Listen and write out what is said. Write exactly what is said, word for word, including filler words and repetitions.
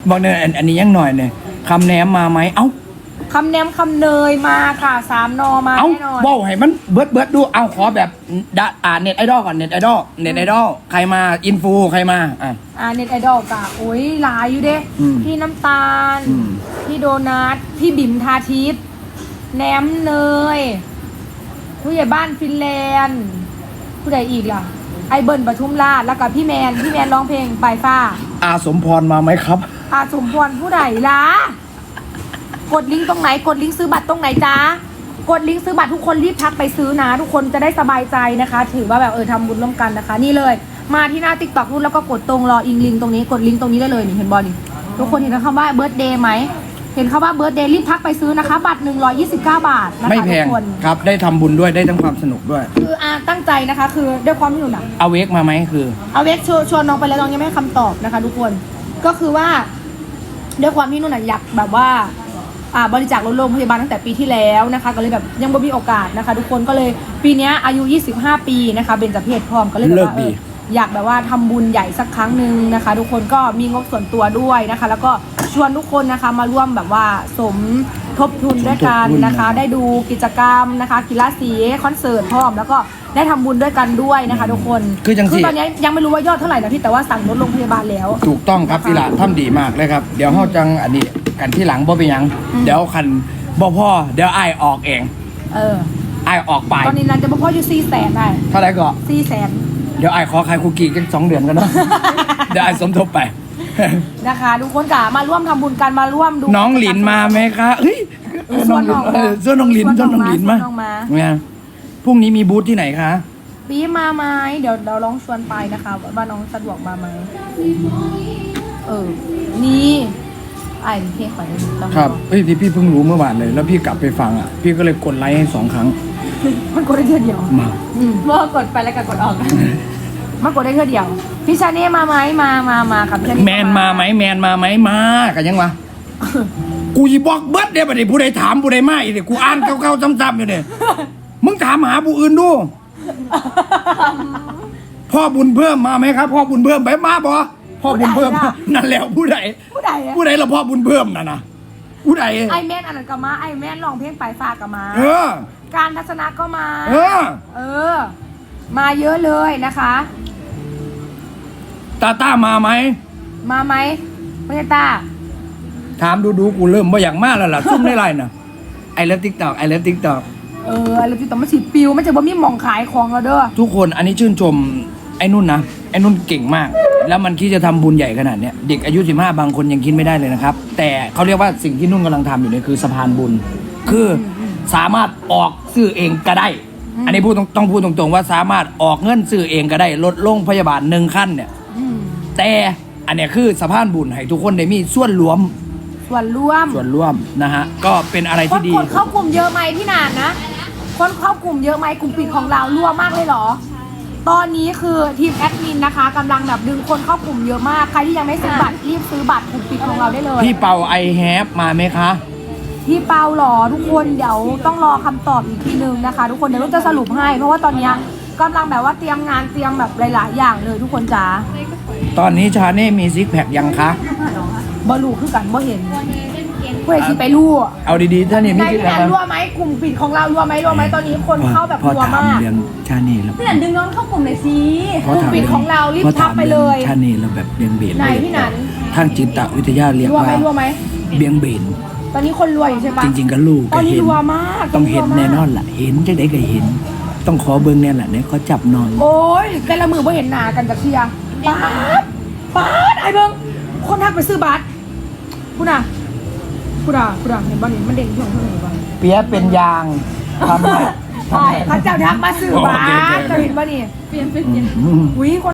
บอกเนี่ยอันอันนี้ยังหน่อยเนี่ยคำแหนมมาไหมเอ้าคำแหนมคำเนยมาค่ะสามนอมาเอ้าแน่นอนบอกให้มันเบิร์ดเบิร์ดดูเอาขอแบบดะอ่าเน็ตไอดอลก่อนเน็ตไอดอลเน็ตไอดอลใครมาอินฟูใครมาอ่ะอ่าเน็ตไอดอลกะโอ้ยหลายอยู่เด้อืมพี่น้ำตาลอืมพี่โดนัทพี่บิ๋มทาทิพย์แหนมเนยผู้ใหญ่บ้านฟินแลนด์ผู้ใดอีกล่ะ ไอเบิร์นปทุมราชแล้วก็พี่แมนพี่แมนร้องเพลงปลายฟ้าอาสมพรมาไหมครับอาสมพรผู้ใดล่ะกดลิงก์ตรงไหนกดลิงก์ซื้อบัตรตรงไหนจ้ากดลิงก์ซื้อบัตรทุกคนรีบทักไปซื้อนะ ทุกคนจะได้สบายใจนะคะ ถือว่าแบบเออทำบุญร่วมกันนะคะ นี่เลยมาที่หน้าติ๊กต็อกรุ่นแล้วก็กดตรงรออิงลิงก์ตรงนี้กดลิงก์ตรงนี้ได้เลยนี่เห็นบอลนี่ทุกคนเห็นคำว่าเบิร์ธเดย์ไหมเห็นคำว่าเบิร์ธเดย์รีบทักไปซื้อนะคะ บัตรหนึ่งร้อยยี่สิบเก้าบาทนะคะไม่แพงทุกคนครับได้ทำบุญด้วยได้ทั้งความสนุกด้วยคืออาตั้งใจนะคะ คือด้วยความที่หนูหนักเอาเวกมาไหมคือเอาเวกชวนชวนน้องไปแล้วน้องยังไม่ให้คำตอบนะคะ ทุกคนก็คือว่าด้วยความที่นุ่นอยากแบบว่าอ่าบริจาครถโรงพยาบาลตั้งแต่ปีที่แล้วนะคะก็เลยแบบยังไม่มีโอกาสนะคะ ทุกคนก็เลยปีนี้อายุยี่สิบห้าปีนะคะเบญจเพศพร้อมก็เลยแบบว่าเอออยากแบบว่าทำบุญใหญ่สักครั้งหนึ่งนะคะ ทุกคนก็มีงบส่วนตัวด้วยนะคะ แล้วก็ชวนทุกคนนะคะมาร่วมแบบว่าสมทบทุนด้วยกันนะคะ ได้ดูกิจกรรมนะคะกีฬาสีคอนเสิร์ตพร้อมแล้วก็ได้ทำบุญด้วยกันด้วยนะคะ ทุกคนคือจังสิตอนนี้ยังไม่รู้ว่ายอดเท่าไหร่นะพี่แต่ว่าสั่งรถโรงพยาบาลแล้วถูกต้องครับอีหละทำดีมากเลยครับ เดี๋ยวเฮาจังอันนี้กันที่หลังบ่เป็นหยังอืมเดี๋ยวคันบ่พ่อเดี๋ยวไอ้ายออกเองเออไอ้ายออกไปตอนนี้นันจะมาพ่ออยู่สี่แสนได้เท่าไหร่ก็สี่แสนเดี๋ยวไอ้ายขอขายคุกกี้กันสองเดือนกันเนาะ เดี๋ยวไอ้ายสมทบไปนะคะทุกคนกะมาร่วมทำบุญกันมาร่วมดูน้องหลินมาไหมคะเฮ้ยเออส่วนน้องเออส่วนน้องหลินส่วนน้องหลินมาส่วนน้องมาเนี่ยพรุ่งนี้มีบูธที่ไหนคะปีมาไหมเดี๋ยวเราลองชวนไปนะคะว่าน้องสะดวกมาไหมเออนี่ไอ้เพลงขวัญต้องครับเฮ้ยที่พี่เพิ่งรู้เมื่อวานเลย แล้วพี่กลับไปฟังอ่ะ พี่ก็เลยกดไลค์ให้สองครั้งมันกดได้แค่เดียวมาอืมเมื่อกดไปแล้วก็กดออกมันกดได้แค่เดียวพี่ชาเน่มาไหมมามามาครับพี่ชาเน่แมนมาไหมแมนมาไหมมากันยังวะ กูยีบอกเบิร์ดเดี๋ยวบัดนี้ผู้ใดถามผู้ใดมาอีกเดี๋ยวกูอ่านเก่าๆซ้ำๆอยู่เนี่ยมึงถามหาผู้อื่นดู พ่อบุญเพิ่มมาไหมครับ พ่อบุญเพิ่มไปมาบ่พ่อบุญเพิ่มนั่นแล้วผู้ใดผู้ใดอะผู้ใดละพ่อบุญเพิ่มน่ะนะผู้ใดไอแม่นอันนั้นก็มาไอแม่นร้องเพลงปลายฟ้าก็มาเออการทัศนะก็มาเออเออ มาเยอะเลยนะคะตาต้ามาไหมมาไหมไม่ใช่ตาถามดูดูๆกูเริ่มว่าอย่างมากแล้วล่ะซุ่มได้ไรน่ะไอเลิฟติ๊กต็อกไอเลิฟติ๊กต็อกเออแล้วที่ต้องมาฉีดปิวไม่ใช่ว่ามีหมองขายของแล้วเด้อทุกคนอันนี้ชื่นชมไอ้นุ่นนะไอ้นุ่นเก่งมาก แล้วมันคิดจะทำบุญใหญ่ขนาดเนี้ยเด็กอายุสิบห้าบางคนยังคิดไม่ได้เลยนะครับ แต่เขาเรียกว่าสิ่งที่นุ่นกำลังทำอยู่เนี่ยคือสะพานบุญ คือสามารถออกซื้อเองก็ได้ อันนี้พูดตรงต้องพูดตรงๆว่าสามารถออกเงินซื้อเองก็ได้ลดโรงพยาบาลหนึ่งขั้นเนี่ยอืมแต่อันเนี้ยคือสะพานบุญให้ทุกคนได้มีส่วนรวมส่วนร่วมส่วนร่วมนะฮะก็เป็นอะไรคนที่ดีคนเข้ากลุ่มเยอะไหมพี่นานนะ คนเข้ากลุ่มเยอะไหมกลุ่มปิดของเรารั่วมากเลยเหรอ ตอนนี้คือทีมแอดมินนะคะกำลังแบบดึงคนเข้ากลุ่มเยอะมาก ใครที่ยังไม่ซื้อบัตรรีบซื้อบัตรกลุ่มปิดของเราได้เลยพี่เปาไอแฮปมาไหมคะพี่เปาหรอทุกคนเดี๋ยวต้องรอคำตอบอีกทีนึงนะคะ ทุกคนเดี๋ยวเราจะสรุปให้ เพราะว่าตอนเนี้ยกำลังแบบว่าเตรียมงานเตรียมแบบหลาย ๆ อย่างเลยทุกคนจ๋าตอนนี้ชาเน่มีซิกแพคยังคะบอลูคือกันบ่เห็นเพื่อที่ไปรู้เอาดีๆถ้านี่ในไม่คิดพี่อะนัไรนรั่วไหมกลุ่มปิดของเรารั่วไหมรั่วไหมตอนนี้คนเข้าแบบพอรั่วถามมากเรื่องชาเน่แล้วพี่หนันดึงน้องเข้ากลุ่มหน่อยสิพอกลุ่มถามปิดของเรารีบพอทัถาก มไปเรื่เลองยชาเน่เราแบบเบียงเบนไหนเลยพี่หนันทางจิตวิทยาเรียกรั่วว่าไหมรั่วไหมเบียงเบนตอนนี้คนรวยอยู่ใช่ปะจริงๆก็ลูกตก็อนนี้เห็นรัวมากต้องเห็นรัวมากแน่นอนล่ะ เห็นจะได้ก็เห็น ต้องขอเบิ้งแน่แหละเนี่ยเขาจับนอนโอ้ยแต่ละมือบ่เห็นหน้ากันจากเทียป๊าดป๊าดไอ้เบิ้งคนทักไปซื้อบัตรพูดน่ะพูดน่ะพูดน่ะเห็นบ้านนี่มันเด่นช่วงเท่าไหร่บ้างเปียเป็นยางทำให้ใช่เขาเจ้าทักมาซื้อบัตรโอเคโอเคจะเห็นบ้านนี่เปลี่ยนเป็นเปลี่ยนอืมอุ้ยคน